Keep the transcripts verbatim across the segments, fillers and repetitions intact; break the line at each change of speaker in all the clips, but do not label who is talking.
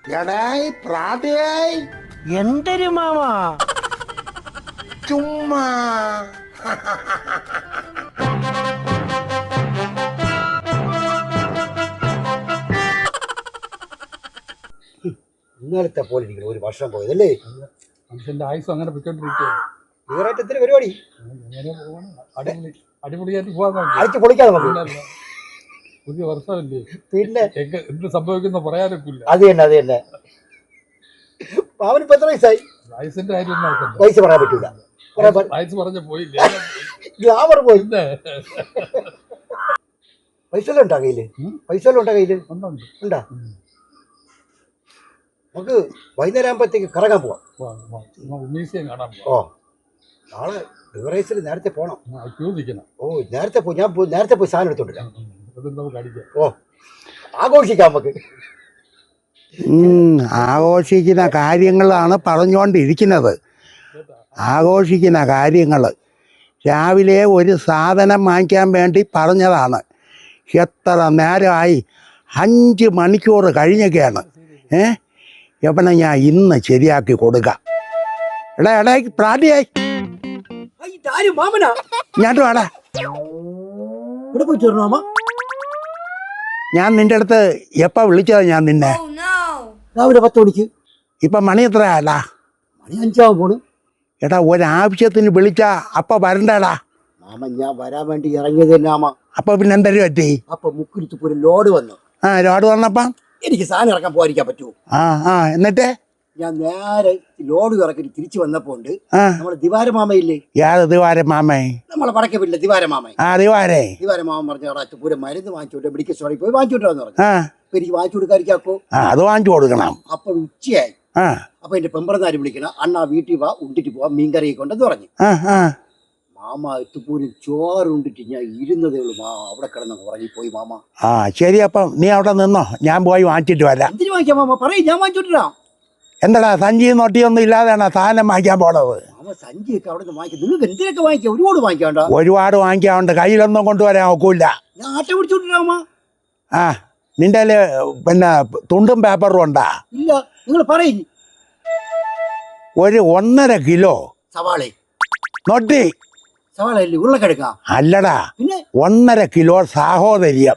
എടായി പ്രാതയായി
എന്തൊരു മാമാ
ചുമ്മാ
ഇന്നലത്തെ പോലെ ഇരിക്കണം ഒരു വർഷം പോയതല്ലേ
മനുഷ്യന്റെ ആയുസ് അങ്ങനെ പൊയ്ക്കൊണ്ടിരിക്കുകയാണ്.
ഈറായിട്ടത്തിന് പരിപാടി
അങ്ങനെ പോവാണ്. അടിപൊളി അടിപൊളിയായിട്ട് പോകാൻ
അടിച്ച് പൊളിക്കാം നമുക്ക്.
പുതിയ വർഷമല്ലേ,
പിന്നെ
എங்க എന്ത് സംഭവിക്കുന്ന പറയാനൊക്കില്ല.
അത് തന്നെ അത് തന്നെ. അവനിപ്പോ എത്ര വയസ്സായി?
വയസ്സിന്റെ കാര്യം നോക്കണ്ട,
വയസ്സ് പറയാൻ പറ്റൂല.
വയസ്സ് പറഞ്ഞ പോയില്ലേ.
ഗ്ലാമർ പോയി. പൈസ എല്ലാം ഉണ്ടാ കയ്യില്? പൈസ എല്ലാം ഉണ്ടാ കയ്യില്? ഉണ്ടാ? നമുക്ക് വൈകുന്നേരം ആകുമ്പോഴത്തേക്ക് കറങ്ങാൻ പോവാം.
മ്യൂസിയം കാണാൻ
ഓ നാളെ ബിവറേജിൽ നേരത്തെ പോകണം.
ചോദിക്കണം.
ഓ നേരത്തെ പോയി ഞാൻ പോയി നേരത്തെ പോയി സാധനം എടുത്തോണ്ടില്ല.
നമുക്ക് അടിക്കാം.
ഓ ആഘോഷിക്കാം നമുക്ക്.
ആഘോഷിക്കുന്ന കാര്യങ്ങളാണ് പറഞ്ഞുകൊണ്ടിരിക്കുന്നത്. ആഘോഷിക്കുന്ന കാര്യങ്ങൾ രാവിലെ ഒരു സാധനം വാങ്ങിക്കാൻ വേണ്ടി പറഞ്ഞതാണ്. എത്ര നേരമായി? അഞ്ച് മണിക്കൂർ കഴിഞ്ഞൊക്കെയാണ്. ഏ എവിടെ ഞാൻ ഇന്ന് ശരിയാക്കി കൊടുക്കാം. എടാ എടാ പ്രാതിയായി ഞാട്ട് വേടാ. ഞാൻ നിന്റെ അടുത്ത് എപ്പ വിളിച്ചതാ ഞാൻ നിന്നെ?
രാവിലെ പത്ത് മണിക്ക്.
ഇപ്പൊ മണി എത്രയാടാ?
മണി അഞ്ചാവും പോണു.
എടാ ഒരാവശ്യത്തിന് വിളിച്ചാ അപ്പൊ വരണ്ടടാ.
മാമ ഞാൻ വരാൻ വേണ്ടി ഇറങ്ങിയത് തന്നെ മാമ.
അപ്പൊ പിന്നെ എന്തൊരു പറ്റി?
അപ്പൊ മുക്കിരിത്ത് ഒരു ലോഡ് വന്നു.
ആ ലോഡ് വന്നപ്പം
എനിക്ക് സാധനം ഇറക്കാൻ പോകാതിരിക്കാൻ പറ്റുമോ?
ആ ആ എന്നിട്ട്
ഞാൻ നേരെ ലോഡ് ഇറക്കി തിരിച്ചു വന്നപ്പോണ്ട് നമ്മളെ ദിവാര മാമയില്ലേ?
യാത് ദിവാര മാമേ?
നമ്മളെ പടക്ക വീട്ടിലെ ദിവാര മാമ.
ആ ദിവാരേ.
ദിവാര മാമ പറഞ്ഞ അവിടെ പൂരം മരുന്ന് വാങ്ങിച്ചോട്ടെ, മെഡിക്കൽ സ്റ്റോറിൽ പോയി വാങ്ങിച്ചോട്ടെന്ന് പറഞ്ഞു.
ആ
അപ്പൊ എനിക്ക് വാങ്ങിച്ചു കൊടുക്കാതിരിക്കാക്കോ?
ആ അത് വാങ്ങിച്ചു കൊടുക്കണം.
അപ്പൊ ഉച്ചയായി.
ആ
അപ്പൊ എന്റെ പെമ്പറന്നാര് വിളിക്കണം, അണ്ണാ വീട്ടിൽ വാ ഉണ്ടിട്ട് പോവാ മീൻകറി കൊണ്ടെന്ന് പറഞ്ഞു.
ആ ആ
മാമ എത്തുപോലും ചോറ് ഉണ്ടിട്ട് ഞാൻ ഇരുന്നതേ ഉള്ളൂ. മാ അവിടെ കിടന്നു ഉറങ്ങി പോയി മാമ.
ആ ശരി, അപ്പം നീ അവിടെ നിന്നോ, ഞാൻ പോയി വാങ്ങിച്ചിട്ട് വരാം.
എന്തിനു വാങ്ങിക്കാം മാമ? പറയും, ഞാൻ വാങ്ങിച്ചോട്ടിരാ.
എന്താടാ സഞ്ചി നൊട്ടിയൊന്നും ഇല്ലാതെയാണ് സാധനം വാങ്ങിക്കാൻ പോണത്?
മാമ സഞ്ചിയൊക്കെ അവിടെ നിന്ന് വാങ്ങിക്കാം. നിങ്ങൾക്ക് എന്തിനൊക്കെ വാങ്ങിക്കാം? ഒരുപാട് വാങ്ങിക്കാണ്ട.
ഒരുപാട് വാങ്ങിക്കാറുണ്ട്, കയ്യിലൊന്നും കൊണ്ടുവരാൻ ഒക്കില്ല.
ഞാൻ ആട്ട പിടിച്ചോട്ടിരാ മാമ.
ആ നിന്റെ പിന്നെ തുണ്ടും പേപ്പറും ഉണ്ടാ?
ഇല്ല, നിങ്ങൾ പറയും.
ഒരു ഒന്നര കിലോ
സവാള
നൊട്ടി.
സവാള അല്ലേ ഉരുളക്കിഴങ്ങ?
അല്ലടാ,
പിന്നെ
ഒന്നര കിലോ സാഹോദര്യം.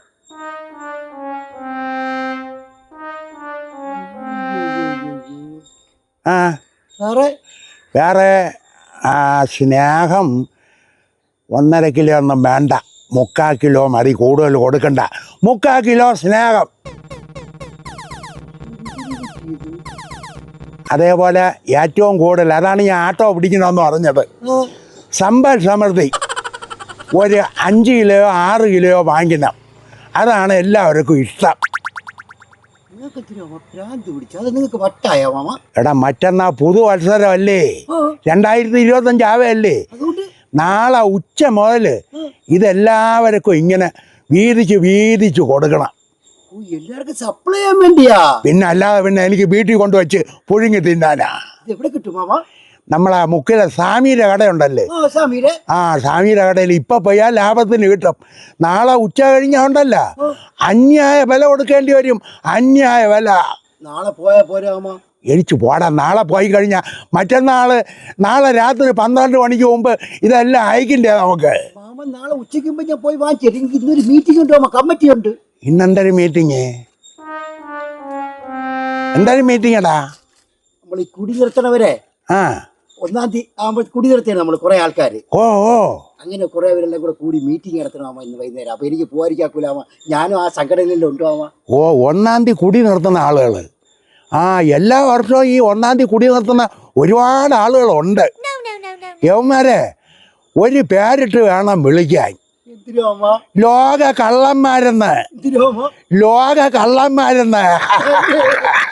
ആ
സാറേ
വേറെ ആ സ്നേഹം ഒന്നര കിലോ ഒന്നും വേണ്ട, മുക്കാൽ കിലോ മതി, കൂടുതൽ കൊടുക്കണ്ട. മുക്കാൽ കിലോ സ്നേഹം. അതേപോലെ ഏറ്റവും കൂടുതൽ, അതാണ് ഞാൻ ആട്ടോ പിടിക്കണമെന്ന് പറഞ്ഞത്, സമ്പൽ സമൃദ്ധി ഒരു അഞ്ച് കിലോ ആറ് കിലോ വാങ്ങിക്കണം. അതാണ് എല്ലാവർക്കും ഇഷ്ടം.
നിങ്ങൾക്ക് വട്ടായ മാമ?
എടാ മറ്റന്നാ പുതുവത്സരമല്ലേ, രണ്ടായിരത്തി ഇരുപത്തി അഞ്ചാവല്ലേ? നാളെ ഉച്ച മുതൽ ഇതെല്ലാവർക്കും ഇങ്ങനെ വീതിച്ച് വീതിച്ച് കൊടുക്കണം.
എല്ലാവർക്കും സപ്ലൈ ചെയ്യാൻ വേണ്ടിയാ?
പിന്നെ അല്ലാതെ പിന്നെ എനിക്ക് വീട്ടിൽ കൊണ്ടുവച്ച് പുഴുങ്ങി തിന്നാനാ.
എവിടെ കിട്ടും മാമ?
നമ്മളെ മുക്കിലെ സ്വാമിയുടെ കടയുണ്ടല്ലേ, ആ സ്വാമിയുടെ കടയിൽ ഇപ്പൊ പോയാൽ ലാഭത്തിന് കിട്ടും. നാളെ ഉച്ച കഴിഞ്ഞുണ്ടല്ല അന്യായ വില കൊടുക്കേണ്ടി വരും, അന്യായ വില.
നാളെ പോയാ പോരാ മാമ?
എരിച്ചു പോടാ. നാളെ പോയി കഴിഞ്ഞാൽ മറ്റന്നാള് നാളെ രാത്രി പന്ത്രണ്ട് മണിക്ക് മുമ്പ് ഇതെല്ലാം അയക്കണ്ടേ നമുക്ക്?
മാമ നാളെ ഉച്ചയ്ക്ക് മുമ്പ് ഞാൻ പോയി വാങ്ങിച്ചു. എനിക്ക് ഇന്നൊരു മീറ്റിംഗ് ഉണ്ട് മാമ, കമ്മിറ്റി ഉണ്ട്.
ഇന്നെന്തൊരു മീറ്റിങ്? എന്തൊരു മീറ്റിംഗ് എടാ?
നമ്മൾ ഈ കുടി നിർത്തണവരെ
ആ
ഒന്നാം തീയതി ആകുമ്പോൾ കുടി നിർത്തിയാണ് നമ്മൾ കുറെ ആൾക്കാര്.
ഓ ഓ
അങ്ങനെ കുറെ പേരെല്ലാം കൂടെ കൂടി മീറ്റിംഗ് നടത്തണമാ ഇന്ന് വൈകുന്നേരം. അപ്പൊ എനിക്ക് പോകാതിരിക്കാക്കൂലാമ, ഞാനും ആ സംഘടനയിലും ഉണ്ടാവാമ.
ഓ ഒന്നാം തീയതി കുടി നിർത്തുന്ന ആളുകൾ. ആ എല്ലാ വർഷവും ഈ ഒന്നാം തീയതി കുടി നിർത്തുന്ന ഒരുപാട് ആളുകളുണ്ട്. യവന്മാരെ ഒരു പേരിട്ട് വേണം വിളിക്കാൻ. ലോക കള്ളന്മാരെന്ന്, ലോക കള്ളന്മാരെന്ന്.